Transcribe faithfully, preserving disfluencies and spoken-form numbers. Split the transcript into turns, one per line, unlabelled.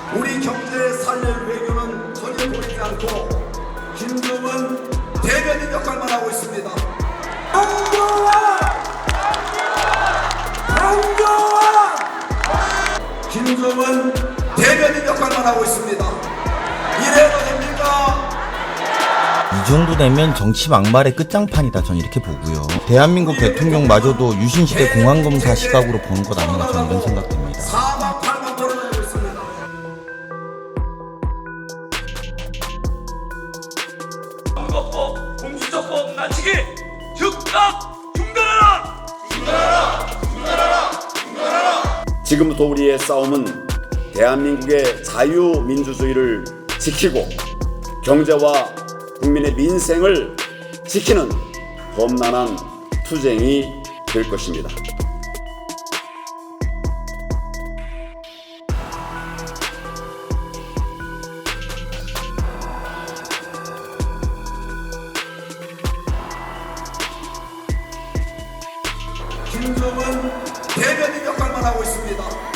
우리 경제의 살릴 외교는 전혀 보이지 않고 김정은 대변인 역할만 하고 있습니다. 강조한! 강조한! 김정은 대변인 역할만 하고 있습니다. 이래도 됩니까?
이 정도 되면 정치 막말의 끝장판이다, 전 이렇게 보고요. 대한민국 대통령마저도 유신시대 공안검사 시각으로 보는 것 아닌가, 저는 이런 생각됩니다.
사막팔만 벌어내고 있습니다.
선거법, 공수처법 낮추기 즉각 중단하라! 중단하라! 중단하라! 중단하라!
지금부터 우리의 싸움은 대한민국의 자유민주주의를 지키고 경제와 국민의 민생을 지키는 험난한 투쟁이 될 것입니다.
김정은 대변인 역할만 하고 있습니다.